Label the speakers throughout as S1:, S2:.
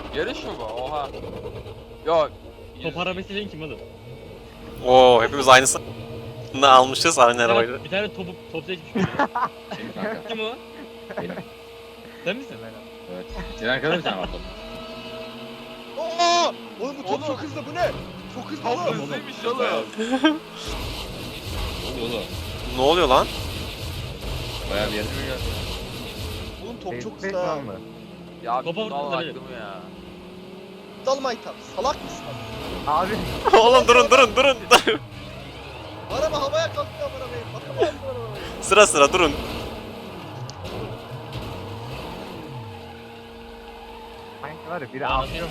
S1: Yarış mı bu? Oha. Yok.
S2: Top arabası değil kim oğlum?
S3: Oo hepimiz aynısını almışız aynı arabayı.
S2: Bir tane top seçmiş biri.
S4: Benim kanka.
S2: Kim o?
S4: Benim.
S2: Sen misin?
S4: Evet. Senin arkada bir tane var top.
S5: Aa! Oğlum bu top
S1: Oğlum.
S5: çok hızlı, bu ne? Çok hızlı
S1: Top
S5: oğlum.
S1: hızlıymış oğlum.
S4: Oğlum.
S3: Ne oluyor lan?
S4: Bayağı bir yarışma geldi.
S5: Oğlum top çok
S6: Bek
S5: hızlı ha.
S6: var mı?
S1: Ya
S2: Topa
S1: bir dal
S2: vurdum da
S1: aklımı ya.
S5: Dalmaytan. Salak mısın?
S6: Abi
S3: Oğlum durun.
S5: Araba havaya kalktı arabayı. Bakalım arabayı.
S3: Sıra durun.
S6: sanki var ya biri
S2: Aa,
S6: ağlıyor.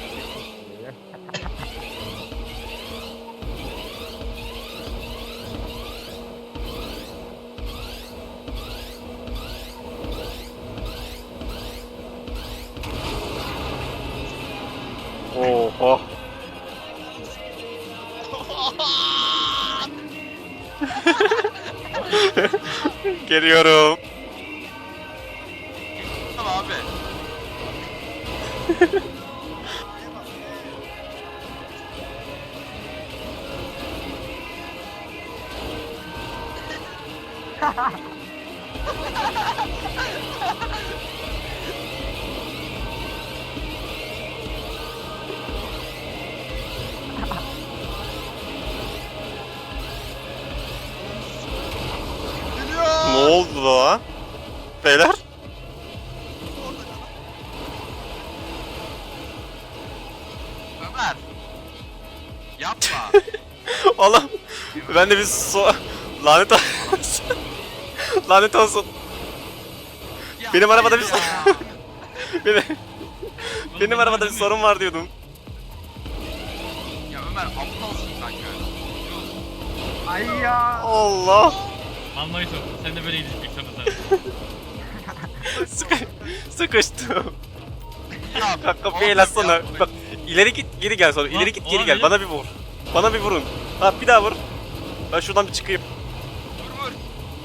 S3: Oho. Geliyorum.
S1: Tamam abi.
S3: Ne oldu lan? Beyler?
S1: Ömer. Yapma.
S3: Oğlum ben de bir lanet olsun. Lanet olsun.
S1: Ya,
S3: Benim arabada
S1: hayır
S3: bir
S1: ya.
S3: Benim arabada bir sorun var diyordum.
S1: Ya Ömer aptalsın kanka.
S6: Ay ya.
S3: Allah.
S2: Anlayış oldu. Sen de böyle gidecek sana.
S3: Sıkıştım.
S1: Ya,
S3: Kanka bir el atsana. Bak ileri git geri gel sonra. İleri git geri gel. Bana bir vur. Bana bir vurun. Ha bir daha vur. Ben şuradan bir çıkayım.
S1: Vur vur.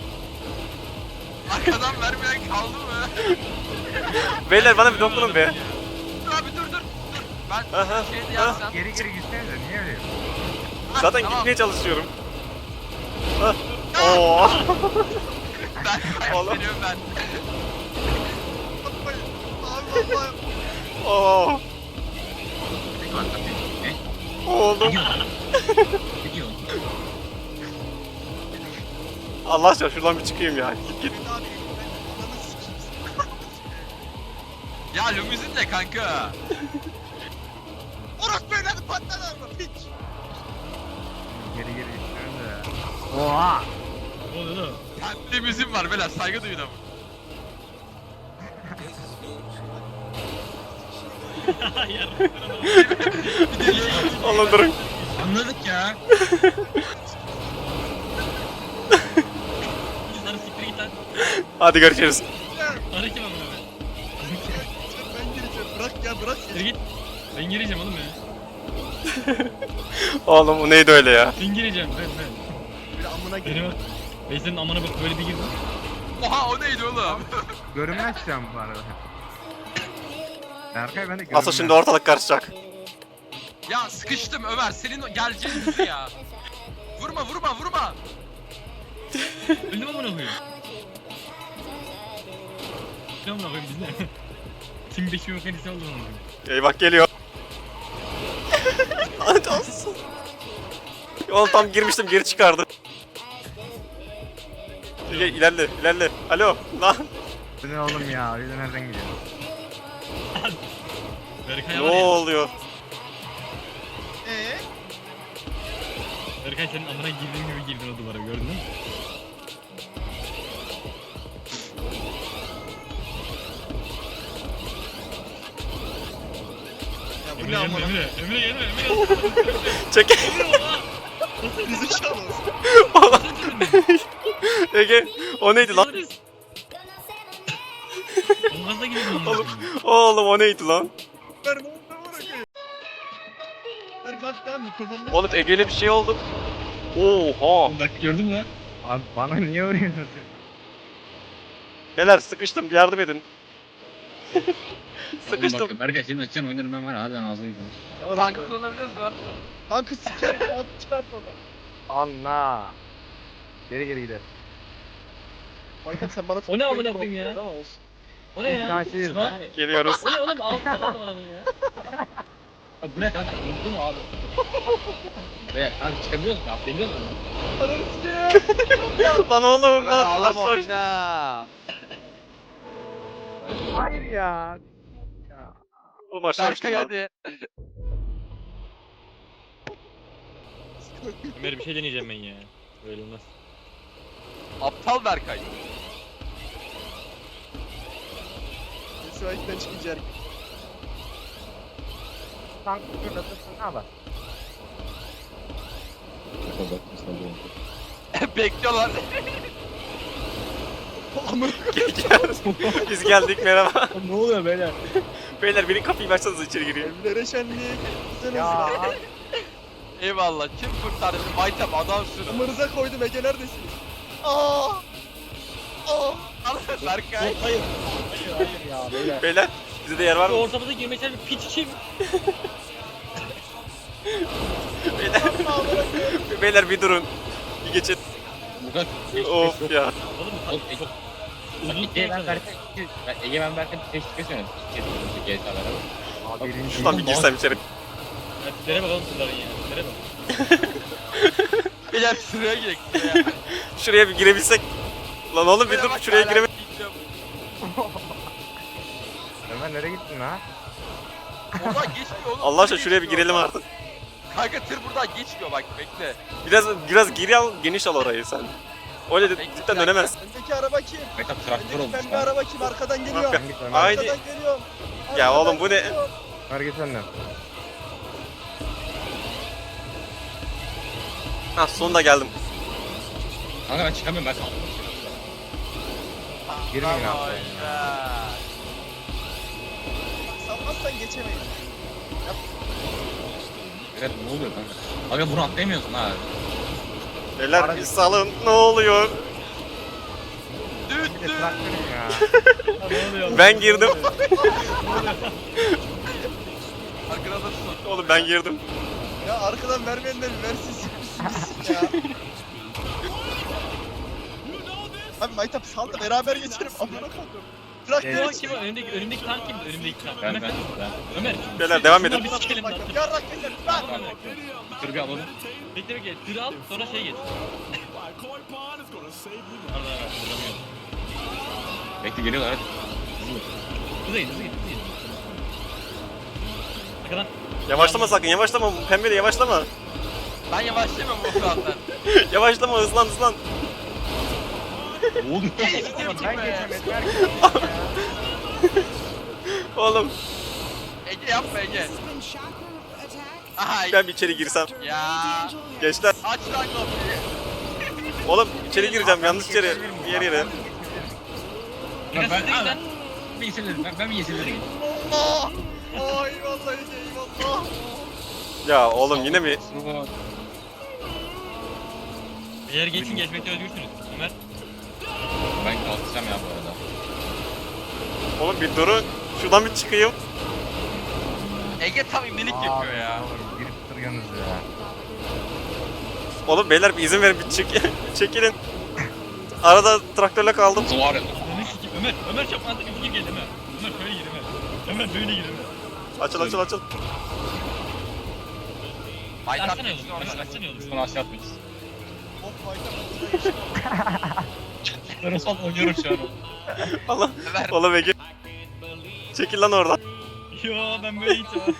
S1: Arkadan vermeyen kaldı mı?
S3: Beyler bana bir dokunun be.
S1: Dur abi dur. Ben
S3: Aha,
S1: şeyde
S3: aha.
S1: yapsam.
S6: Geri geri gitsenize niye öyle?
S3: Zaten
S1: Tamam.
S3: gitmeye çalışıyorum. Hah. Oo.
S1: Ben
S3: Oğlum.
S1: kaybediyorum ben.
S5: Abi Allah.
S3: Oo. Oğlum.
S4: Ne diyorsun?
S3: Allah aşkına şuradan bir çıkayım ya. Git.
S5: Abi ben ananı sikeyim.
S1: Ya limuzin de kanka.
S5: Orası böyle hadi patlar araba piç.
S6: Geri geri gitsenize ya. Oha.
S2: Ne oluyor lan?
S1: Kendi limuzin var beyler saygı duyun ama.
S3: Oğlum durun.
S4: Anladık ya.
S2: Sana siktir git lan.
S3: Hadi görüşürüz.
S2: Arı kim amına be?
S5: Ben gireceğim. Bırak ya bırak ya.
S2: Siktir git. Ben gireceğim oğlum ya.
S3: Oğlum o neydi öyle ya?
S2: Ben gireceğim ben.
S5: Bir amına
S2: Benim
S5: gireyim.
S2: bak. Ben senin amına bak böyle bir girdim.
S1: Oha o neydi oğlum?
S6: Görünmez şu an bu arada. Berkay ben de görünmez.
S3: Asıl şimdi ortalık karışacak.
S1: Ya sıkıştım Ömer senin o geleceğin hızı ya. Vurma.
S2: Öldüm amına koyayım. Ne amına koyayım biz ne? Tim 5 bir mekanisi oldu amına koyayım.
S3: Eyvah geliyor. Lanet olsun. Oğlum tam girmiştim geri çıkardı. İlerle. Alo lan.
S6: Bu ne oğlum ya? Öyle nereden gidiyor?
S2: Berkay
S3: Ne
S2: var ya.
S3: oluyor?
S2: Berkay senin amına girdiğin gibi girdin o duvara gördün mü?
S5: Ya bu
S2: Emre
S5: ne amına.
S2: gelme.
S3: Çek.
S5: Bizi çalın.
S3: Ege o neydi lan?
S2: Olmazsa gidiyorum.
S3: Oğlum, oğlum o neydi lan?
S5: Ver ne oldu bırakayım. Ver kalk lan mikrofonunu.
S3: Oğlum Ege'yle bir şey oldu. Oha.
S2: Bak gördün mü?
S6: Abi bana niye vuruyorsun?
S3: Beyler sıkıştım yardım edin. Sıkıştım.
S4: Bak Berkay senin açacağın oyunları ben var ya hadi ağzını yıkayım.
S1: Tankı kullanabiliyoruz mu?
S5: Kanka sikerim at çıkart onu.
S6: Allah. Geri geri gidelim.
S5: Baykat sen bana
S2: O ne amına koyayım ya?
S5: Tamam olsun.
S2: O ne ya?
S6: İmkansız.
S2: Lan,
S3: Geliyoruz.
S2: o ne oğlum? Alttan adamın ya.
S4: Bak bu ne kanka? Unuttu mu abi? Be kanka çıkabiliyor musun? Atlayabiliyor musun?
S5: Ananı sikeyim.
S3: Lan oğlum.
S1: Ağlama
S3: Lan.
S1: oyna.
S6: Hayır ya.
S3: Oğlum aşağı
S1: Berkay
S3: düştüm.
S1: hadi.
S2: Ömer bir şey deneyeceğim ben ya. Böyle olmaz.
S1: Aptal Berkay.
S5: Müsaitten çıkacak.
S6: Tank fırlatırsın ne yapar?
S4: Bak mesela
S1: Bekliyorlar.
S3: Biz geldik merhaba.
S4: ne oluyor beyler?
S3: Beyler beni kapıyı açsanız içeri gireyim.
S5: Evlere şenlik. Güzel
S6: Ya
S5: olsun.
S1: Eyvallah. Kim kurtardı beni? Maytap adamsın.
S5: Amınıza koydum Ege neredesiniz? Aa! Aa!
S1: Berkay.
S4: Hayır ya beyler.
S3: Beyler bize de yer var
S2: Şu
S3: mı?
S2: ortamıza girmesel bir piç için.
S3: Beyler bir durun. Bir geçin.
S4: Bu kadar geç
S3: Of ya.
S2: Oğlum
S4: Çok
S2: çok uzun
S4: Ege ben
S2: süre
S4: Berkay. Ege ben Berkay teşvik ediyorum. GTA'lara.
S6: Abi birinci.
S3: Şuradan bir girsem içeri.
S2: Tiplere bakalım kızların ya. Tiplere bak.
S1: Beyler sıraya girek sıraya.
S3: Şuraya bir girebilsek. Lan oğlum bir dur şuraya gireme.
S6: Ömer nereye gittin ha?
S1: Oradan geçmiyor oğlum.
S3: Allah aşkına
S1: tır
S3: şuraya bir
S1: geçmiyor
S3: girelim
S1: oradan.
S3: artık.
S1: Kanka tır buradan geçmiyor bak bekle.
S3: Biraz geri al, geniş al orayı sen. Öyle de cidden dönemez.
S5: Öndeki araba kim?
S4: Mehtap traktör
S5: Öndeki
S4: olmuş
S5: pembe
S4: lan.
S5: araba kim? Arkadan geliyor.
S3: Kanka,
S6: Sen git Ömer.
S3: Haydi.
S5: Arkadan geliyorum.
S3: Ya
S5: Arkadan
S3: oğlum bu ne?
S5: geliyor.
S6: Ömer git önden.
S3: Ha sonunda geldim.
S4: Kanka ben çıkamıyorum ben kaldım.
S6: Girmeyin
S1: Tamam,
S6: abi.
S1: ya.
S5: Salmazsan geçemeyiz.
S4: Evet ne oluyor kanka? Aga bunu atlayamıyorsun ha.
S3: Beyler bir salın ne oluyor?
S1: Düt
S6: Bir de
S1: düt.
S6: traktörüm ya.
S2: Ne oluyor?
S3: Ben girdim.
S1: Arkada alırsın.
S3: Oğlum ben girdim.
S5: Ya arkadan vermeyen de bir versin sikmişsin ya. Abi Maytap sal da beraber geçelim. Amına koydum. Traktör
S2: Kim o? Önümdeki tank kimdi? Önümdeki tank.
S4: Ben
S2: Ömer.
S4: ben.
S2: Ömer.
S3: Beyler devam edin.
S2: Şunları bir sikelim lan.
S5: Yarrak geçer. Lan!
S4: Dur bir alalım.
S2: Bekle bekle. Tır al sonra şey geç. Pardon evet. Duramıyorum.
S4: Bekle geliyorlar hadi.
S2: Hızlı git hızlı git hızlı git. Arkadan.
S3: Yavaşlama sakın yavaşlama. Pembeli yavaşlama.
S1: Ben yavaşlayamam bu zaten.
S3: Yavaşlama hızlan hızlan.
S4: Ne oluyor?
S6: Ben geçemedim. Herkes
S3: Oğlum
S1: Ege yapma Ege. Aha
S3: ben bir içeri girsem.
S1: ya.
S3: Gençler.
S1: Aç lan kapıyı.
S3: Oğlum içeri gireceğim yanlış içeri. Diğer yere.
S4: Ben bir yeşillerim. Ben bir yeşillerim.
S5: Allah! Aa eyvallah Ege eyvallah.
S3: Ya oğlum yine mi?
S2: Eğer geçin geçmekte özgürsünüz. Ömer.
S4: Ben kalkacağım ya bu arada.
S3: Oğlum bir durun. Şuradan bir çıkayım.
S1: Ege tam imlilik yapıyor ya.
S6: Oğlum girip duruyorsunuz ya.
S3: Oğlum beyler bir izin verin bir çekilin. Arada traktörle kaldım.
S4: Nasıl var ya?
S2: Ömer sikeyim. Ömer çok mantıklı bir fikir geldi Ömer. Ömer şöyle gir Ömer. Ömer böyle gir Ömer.
S3: Açıl açıl açıl.
S1: Maytap
S2: Açsana
S1: geçti
S2: yolu.
S1: oradan.
S2: Açsana yolu.
S4: Sonra aşağı atmayız.
S5: Of Maytap burada geçelim.
S4: Ben son oynuyorum şu an.
S3: Allah.
S1: Ömer.
S3: Oğlum Ege. Çekil lan oradan.
S2: Yo ben böyle gideceğim.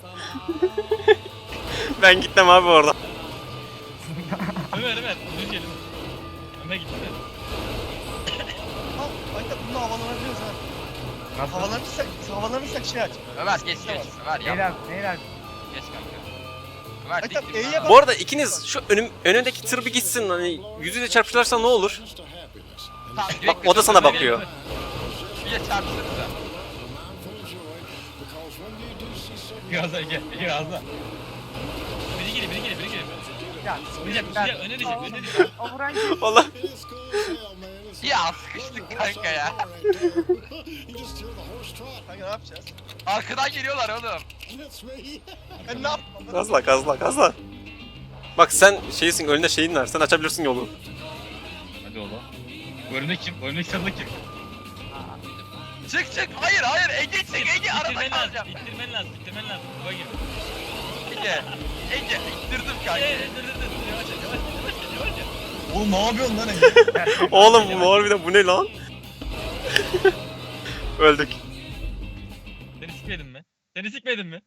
S3: Ben gitmem abi oradan.
S2: Ömer düz gelin. Ömer gitti.
S5: Al Maytap bununla havalanabiliyoruz ha.
S6: Nasıl?
S5: Havalanırsak şey aç.
S1: Ömer geç geç. Ömer yap.
S6: Neyler? Neyler?
S1: Geç kanka. Ömer dik
S5: Maytap
S1: dik.
S5: E'ye bak.
S3: Bu arada ikiniz şu önündeki tır bir gitsin hani yüzüyle çarpışırlarsa ne olur?
S1: Tamam,
S3: Bak
S1: direkt
S3: o da sana
S1: Ömer
S3: bakıyor.
S1: gel. Bir de çarpışırsa.
S4: Biraz daha gel. Biraz daha.
S2: Biri geliyor.
S6: Ya.
S2: Öne düşecek.
S6: O vuran kim?
S3: Allah.
S1: Ya sıkıştık kanka ya.
S5: Kanka ne yapacağız?
S1: Arkadan geliyorlar oğlum.
S5: Ben ne yapmam?
S3: Gazla gazla gazla. Bak sen şeysin, önünde şeyin var. Sen açabilirsin yolu.
S2: Hadi oğlum. Bu önünde kim? Bu önündeki sarıda kim?
S1: Çık çık. Hayır hayır. Ege çık Ege. Arada
S2: İttirmen lazım.
S1: kalacağım.
S2: İttirmen lazım. İttirmen lazım. Baba gibi.
S1: Ege. Ege. İttirdim kanka.
S2: Dur. Yavaş yavaş.
S5: Oğlum ne yapıyorsun lan Ege?
S3: Oğlum bu harbiden bu ne lan? Öldük.
S2: Seni sikmedin mi? Seni sikmedin mi?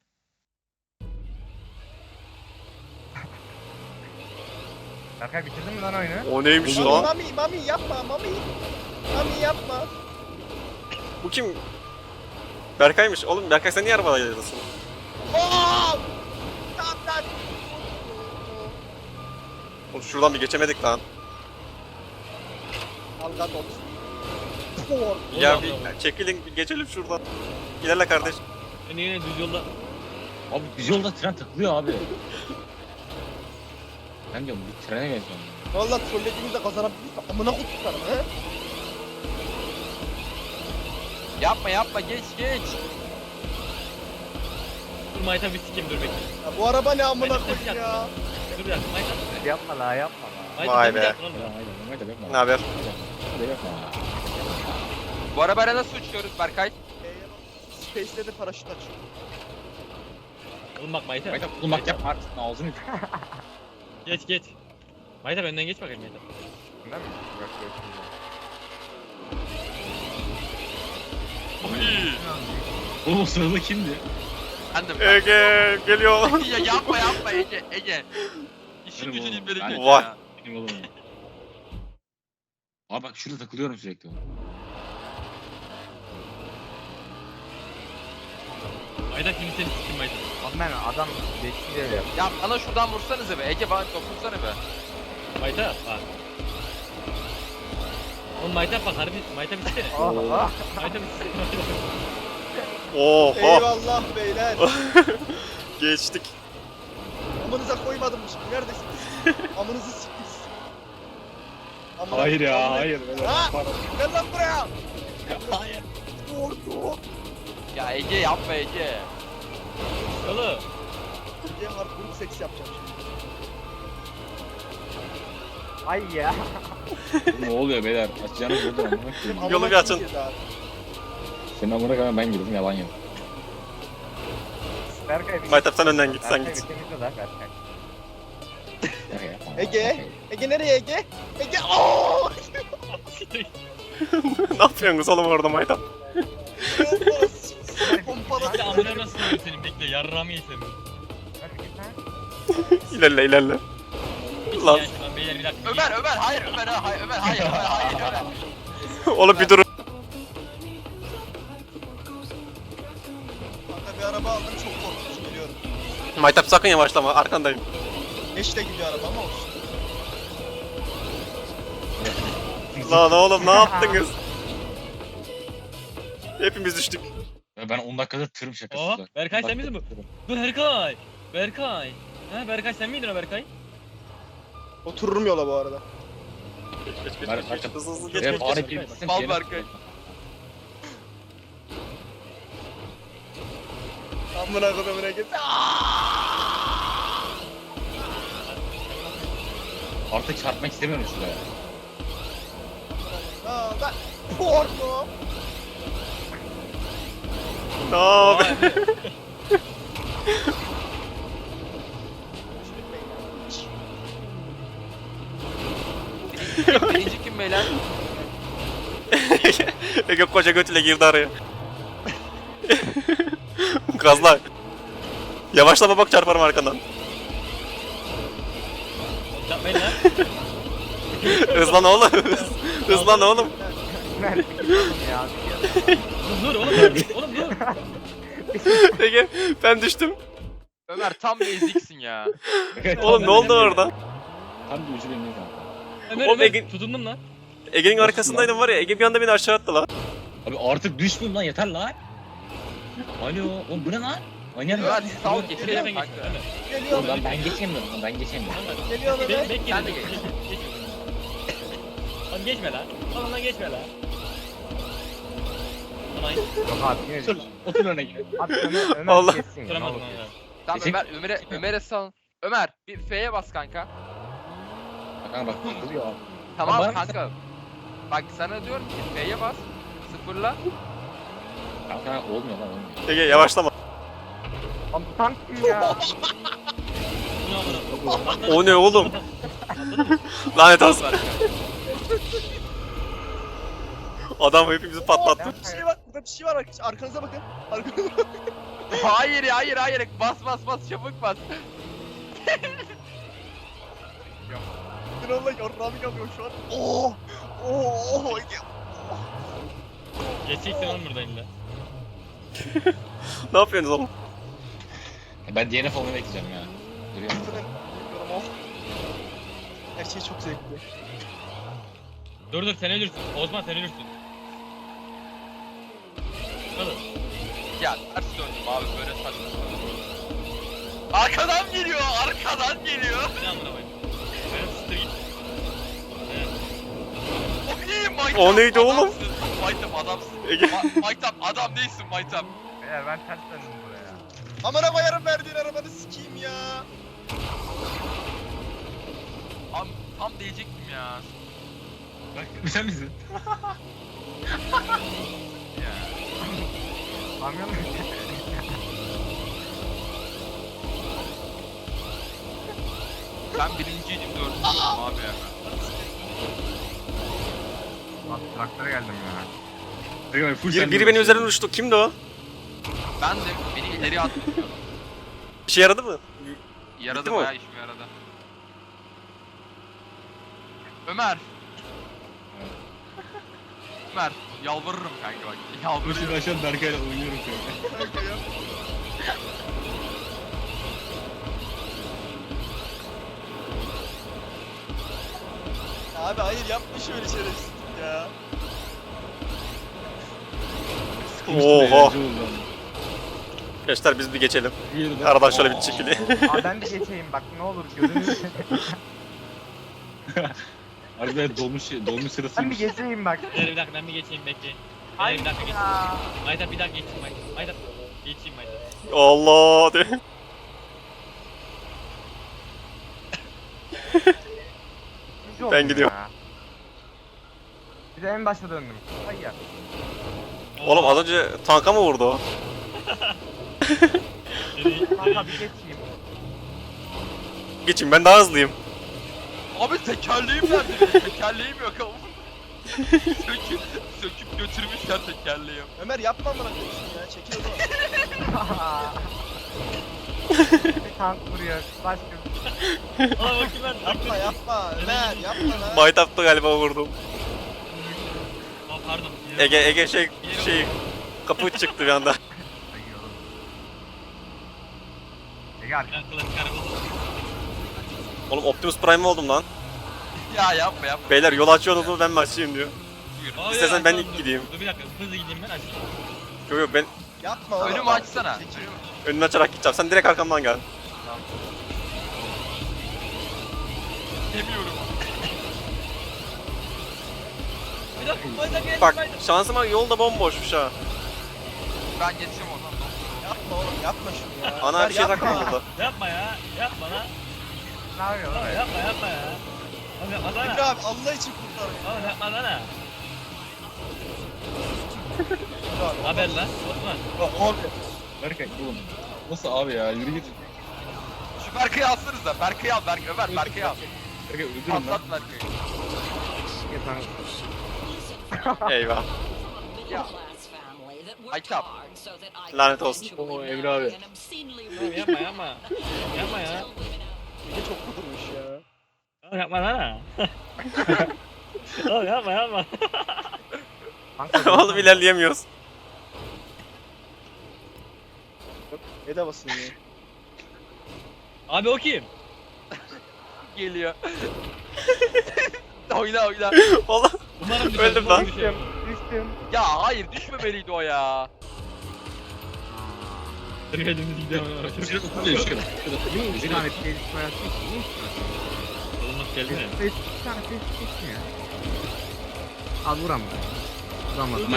S6: Berkay bitirdin mi lan oyunu?
S3: O neymiş
S5: Mami,
S3: lan?
S5: Mami yapma Mami. Mami yapma.
S3: Bu kim? Berkay'mış. Oğlum Berkay sen niye arabada geliyorsun?
S5: Oo! Tamam.
S3: Oğlum şuradan bir geçemedik lan.
S5: Algat olsun. Spor.
S3: Ya bir çekilin bir geçelim şuradan. İlerle kardeş.
S2: Beni yine düz yolda... Abi düz yolda tren takılıyor abi. Ben diyorum bir trene benziyorum.
S5: Valla trollediğimizde kazanabiliriz. Amına kutuklarım he.
S1: Yapma geç.
S2: Dur Mayta bir sikeyim dur bekle.
S5: Ya bu araba ne amına koyayım ya.
S2: Dur bir dakika Mayta.
S6: Yapma la yapma la.
S2: Mayta
S3: Vay
S2: dur bir
S3: be.
S2: dakika lan. Mayta bekle.
S3: Ne haber?
S1: Bu arabayla nasıl uçuyoruz Berkay?
S5: Space'de de paraşüt açıyor.
S2: Oğlum bak Mayta.
S4: Mayta bulmak yapma artık ağzını.
S2: Geç. Mayta benden geç bakayım Mayta.
S6: Değil mi? Bak görüşürüz.
S2: Oğlum o sırada kimdi?
S1: Bendim.
S3: Ege geliyor.
S1: Ya yapma Ege. İşin
S2: Benim
S1: gücün
S2: oğlum,
S1: beni
S2: ben-
S1: kötü
S3: Vay.
S1: ya.
S2: Benim oğlum. Abi bak şurada takılıyorum sürekli. Mayta şimdi seni siktim Mayta.
S6: Abi ben adam geçti diye yap.
S1: Ya bana şuradan vursanıza be. Ege bana dokunsana be.
S2: Mayta bak. Oğlum Mayta bak harbi Mayta bitsene.
S6: Allah.
S2: Mayta bitsene.
S3: Oha.
S5: Eyvallah beyler.
S3: Geçtik.
S5: Amınıza koymadım şimdi. Neredesiniz? Amınızı siktiniz. Amına
S2: Hayır ya,
S5: koyayım.
S2: hayır.
S5: Ha? Gel lan buraya.
S2: Hayır.
S5: Vurdu.
S1: Ya Ege yapma Ege.
S2: Oğlum.
S5: Diye hardcore seks yapacağım şimdi.
S6: Ay ya.
S4: Ne oluyor beyler? Açacağınız yolda amına koyayım.
S5: Amına
S3: Yolu bir açın.
S5: koyayım ya.
S4: Senin amına koyayım ben girdim yalan yok.
S6: Berkay bir
S3: Maytap sen önden git, sen
S6: Berkay
S3: git.
S6: bir temizle la Berkay.
S5: Ege. Ege nereye Ege? Ege. Ooo.
S3: Ne yapıyorsunuz oğlum orada Maytap?
S5: Pompala.
S2: Ya amına nasıl oluyor senin bekle yarrağımı yesem.
S6: Hadi git lan.
S3: İlerle. Lan.
S2: Lan beyler bir dakika.
S1: Ömer hayır Ömer.
S3: Oğlum bir durun.
S5: Kanka bir araba aldım çok korkunç biliyorum.
S3: Maytap sakın yavaşlama, arkandayım.
S5: Eşle gidiyor araba ama olsun.
S3: Lan oğlum ne yaptınız? Hepimiz düştük.
S4: Ben 10 dakikada tırım şakası.
S2: Aa,
S4: bak.
S2: Berkay
S4: 10
S2: sen misin
S4: dakikada tırım.
S2: Berkay. Ha Berkay sen miydin o Berkay?
S5: Otururum yola bu arada.
S3: Geç.
S4: Maytap.
S3: Hızlı
S4: Ya
S3: geç.
S4: bari bir gitsin,
S1: Mal
S4: bir yere-
S1: Berkay.
S5: Amına kodumuna git.
S4: Artık çarpmak istemiyorum şuraya.
S5: Aa ben. Porno.
S3: Ne abi?
S1: Birinci kim beyler?
S3: Ege koca götüyle girdi araya. Gazla. Yavaşlama bak çarparım arkandan.
S2: Yapmayın lan.
S3: Hızlan oğlum. Hızlan oğlum.
S6: Ver bir git oğlum ya.
S2: Dur oğlum. Oğlum dur.
S3: Ege ben düştüm.
S1: Ömer tam bir eziksin ya.
S3: Oğlum ne oldu orada?
S4: Tam bir ucu benim kanka.
S2: Ömer
S3: Oğlum,
S2: Ömer
S3: Ege-
S2: tutundum lan.
S3: Ege'nin arkasındaydım var ya, Ege bir anda beni aşağı attı lan.
S4: Abi artık düşmeyeyim lan yeter lan. Alo oğlum bu ne lan? Manyak
S1: Ömer
S4: lan.
S1: sağ ol
S2: Ömer,
S1: geçelim
S2: ben
S1: kanka.
S2: geçiyorum, Ömer.
S5: Geliyor
S4: Oğlum
S5: Ömer.
S4: ben geçemiyorum lan ben geçemiyorum.
S5: Geliyor Ömer.
S2: Bek
S1: Sen de
S2: geç.
S1: geç.
S2: Hadi Oğlum geçme lan. Oğlum geçme lan. Aman
S6: Yok abi yine
S4: Otur lan. Otur öne gel.
S6: Abi Ömer
S3: Allah.
S6: geçsin ya. ne
S2: tutturamadım
S6: olur.
S2: onu.
S1: Tamam Ömer'e sal. Ömer bir F'ye bas kanka.
S4: Kanka bak duruyor abi.
S1: Tamam
S4: Bana-
S1: kanka. Bak sana diyorum ki F'ye bas. Sıfırla.
S4: Kanka olmuyor lan olmuyor.
S3: Ege yavaşlama.
S6: Abi tank kim ya?
S2: Bu ne amına?
S3: O ne oğlum? Lanet olsun. Adam hepimizi patlattı.
S5: Bir şey var. Burada bir şey var arkadaşlar. Arkanıza bakın. Arkanıza bakın.
S1: Hayır hayır. Bas çabuk bas.
S5: Allah yarrağımı yapıyor şu an. Oo. Oo.
S2: Geçeceksin oğlum buradan illa.
S3: Ne yapıyorsunuz oğlum?
S4: Ben DNF olmayı bekleyeceğim ya. Duruyor.
S5: Oh. Her şey çok zevkli.
S2: Dur sen ölürsün. Osman sen ölürsün. Hadi.
S1: Ya ters döndüm abi böyle saçma. Arkadan geliyor.
S2: Ne amına koyayım? Benim sıtır git. Evet.
S1: O iyi Maytap.
S3: O neydi oğlum?
S1: Adamsın. Maytap adamsın.
S3: Ege.
S1: Maytap adam değilsin Maytap.
S6: Beyler ben ters döndüm buraya.
S5: Amına koyarım verdiğin arabanı sikeyim ya.
S1: Tam diyecektim ya.
S4: Bak sen misin?
S1: Ya.
S6: Anlıyor musun?
S1: Ben birinciydim dördüncüydüm abi ya.
S6: Bak traktöre geldim ya.
S3: Biri benim üzerine uçtu. Kimdi o?
S1: Ben de beni ileriye attım.
S3: İşe yaradı mı?
S1: Yaradı
S3: Bitti mi?
S1: bayağı işime yaradı. Ömer. Ömer yalvarırım kanka bak. Yalvarırım.
S4: aşağı Berkay'la oynuyorum kanka.
S5: Kanka ya. Abi hayır yapma şöyle şerefsizlik ya.
S3: Oha. Gençler biz bir geçelim. Aradan şöyle bir çekili.
S6: Abi ben de geçeyim bak ne olur gözünü
S4: Harbiden dolmuş sırası.
S6: Ben bir geçeyim bak.
S2: Beyler bir dakika ben bir geçeyim bekleyin.
S6: Ay
S2: Beyler bir dakika geçeyim.
S6: ya.
S2: Maytap bir dakika geçeyim Maytap. Maytap geçeyim Maytap.
S3: Allah de.
S6: İkinci oldum
S3: gidiyorum.
S6: ya. Bir de en başta döndüm. Hayır.
S3: Oğlum az önce tanka mı vurdu o?
S6: Kanka bir geçeyim.
S3: Geçin ben daha hızlıyım.
S1: Abi tekerleğim nerede benim? Tekerleğim yok ama. söküp götürmüşler tekerleğim.
S5: Ömer yapma amına koyayım ya. Çekil o zaman.
S6: Bir tank vuruyor. Başka
S2: Aa bakayım ben.
S5: Yapma yapma. Ömer yapma lan.
S3: Maytap'ta galiba vurdum.
S2: Aa pardon.
S3: Ege şey kapı çıktı bir anda.
S6: Gel.
S2: Ben klasik araba.
S3: Oğlum Optimus Prime oldum lan.
S1: Ya yapma.
S3: Beyler yol açıyorsunuz mu ben mi açayım diyor.
S2: Aa,
S3: İstersen
S2: ya,
S3: ben
S2: tamam,
S3: ilk
S2: dur.
S3: gideyim.
S2: Dur bir dakika hızlı gideyim ben açayım.
S3: Yok ben
S5: Yapma oğlum.
S1: Önümü açsana.
S5: Çekil.
S3: önünü açarak gideceğim. Sen direkt arkamdan gel.
S1: Demiyorum.
S2: Bir dakika Maytap geldi
S3: Bak
S2: Maytap.
S3: şansıma yol da bomboşmuş ha.
S1: Ben geçeceğim ondan.
S5: Yapma oğlum yapma şunu ya.
S3: Ana
S5: Ömer,
S3: bir şey
S5: yapma.
S3: takmadı burada.
S2: Yapma ya. Yapma lan.
S6: Ne yapıyorsun?
S2: Oğlum yapma ya. Oğlum yapma
S5: Emre
S2: sana.
S5: abi Allah için kurtar beni.
S2: Oğlum yapma sana.
S5: Emre abi.
S2: Haber lan Osman.
S4: Abi. Berkay oğlum. Nasıl abi ya? Yürü git.
S1: Şu Berkay'ı alsanız da. Berkay'ı al. Ömer Berkay'ı al.
S4: Berkay öldürün lan.
S1: Patlat Berkay'ı.
S3: Eyvah.
S1: Ya.
S7: Aytap.
S3: Lanet olsun.
S4: Oo, Emre abi.
S2: Oğlum yapma yapma. Yapma ya.
S5: Ne çok kudurmuş ya.
S2: Oğlum yapma sana. Oğlum yapma.
S3: Oğlum ilerleyemiyoruz.
S5: Ne de basın ya.
S2: Abi o kim?
S1: Geliyor. oyna.
S3: Oğlum
S2: Umarım düşer,
S3: Öldüm
S2: umarım
S3: lan.
S2: düşer.
S6: Düştüm.
S1: Ya hayır düşmemeliydi o ya.
S2: Elimizde gidiyor.
S4: Şurada şurada.
S6: Bir tane gelişme yapmış.
S2: Olmaz geldi mi?
S6: Bir tane ses geçmiyor. Al vuram. Vuramadım.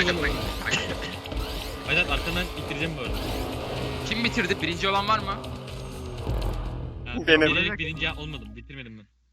S2: Aynen arkadan ittireceğim bu arada.
S1: Kim bitirdi? Birinci olan var mı?
S2: Ha,
S3: Benim.
S2: Bilerek birinci olmadım. Bitirmedim ben.